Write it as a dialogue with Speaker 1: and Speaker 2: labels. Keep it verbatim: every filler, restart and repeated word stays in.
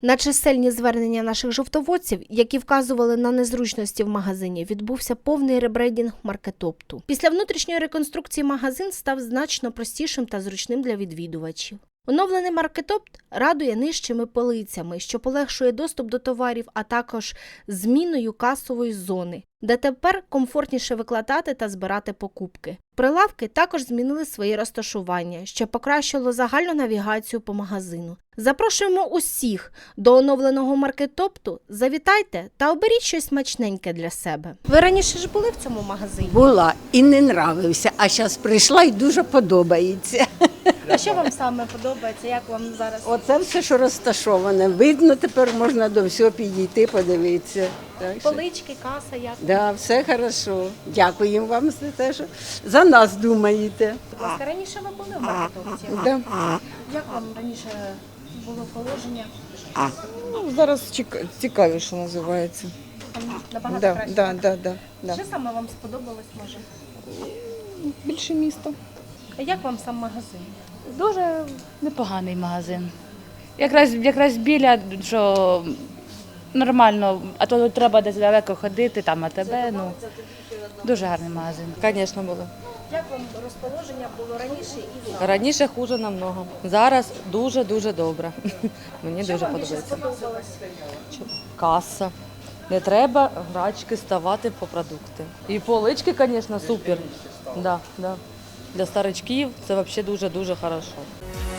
Speaker 1: На чисельні звернення наших жовтоводців, які вказували на незручності в магазині, відбувся повний ребрендінг маркетопту. Після внутрішньої реконструкції магазин став значно простішим та зручним для відвідувачів. Оновлений маркетопт радує нижчими полицями, що полегшує доступ до товарів, а також зміною касової зони, де тепер комфортніше викладати та збирати покупки. Прилавки також змінили своє розташування, що покращило загальну навігацію по магазину. Запрошуємо усіх до оновленого маркетопту, завітайте та оберіть щось смачненьке для себе. Ви раніше ж були в цьому магазині?
Speaker 2: Була і не нравився, а зараз прийшла і дуже подобається.
Speaker 1: А що вам саме подобається, як вам зараз?
Speaker 2: Оце все, що розташоване. Видно, тепер можна до всього підійти, подивитися. Так що,
Speaker 1: Полички, каса, як?
Speaker 2: да, все хорошо. Дякуємо вам за те, що за нас думаєте.
Speaker 1: Будь ласка, раніше ви були в маркетопті?
Speaker 2: Да.
Speaker 1: Як вам раніше було положення?
Speaker 3: Ну, зараз цік- цікаві, що називається.
Speaker 1: Там набагато
Speaker 3: Да,
Speaker 1: краще?
Speaker 3: да, да, да, да.
Speaker 1: Що саме вам сподобалось, може?
Speaker 3: Більше місто.
Speaker 1: А як вам сам магазин?
Speaker 4: Дуже непоганий магазин. Якраз, якраз біля, що нормально, а то треба десь далеко ходити, там АТБ, ну, дуже гарний магазин.
Speaker 5: Звісно, було.
Speaker 1: Як вам розположення було раніше і зараз?
Speaker 5: Раніше хуже намного. Зараз дуже-дуже добре. Мені
Speaker 1: Що
Speaker 5: дуже
Speaker 1: вам більше
Speaker 5: подобається.
Speaker 1: сподобалось?
Speaker 5: Каса. Не треба грачки ставати по продукти. І полички, звісно, супер. Да, да. Для старичків це взагалі дуже-дуже добре.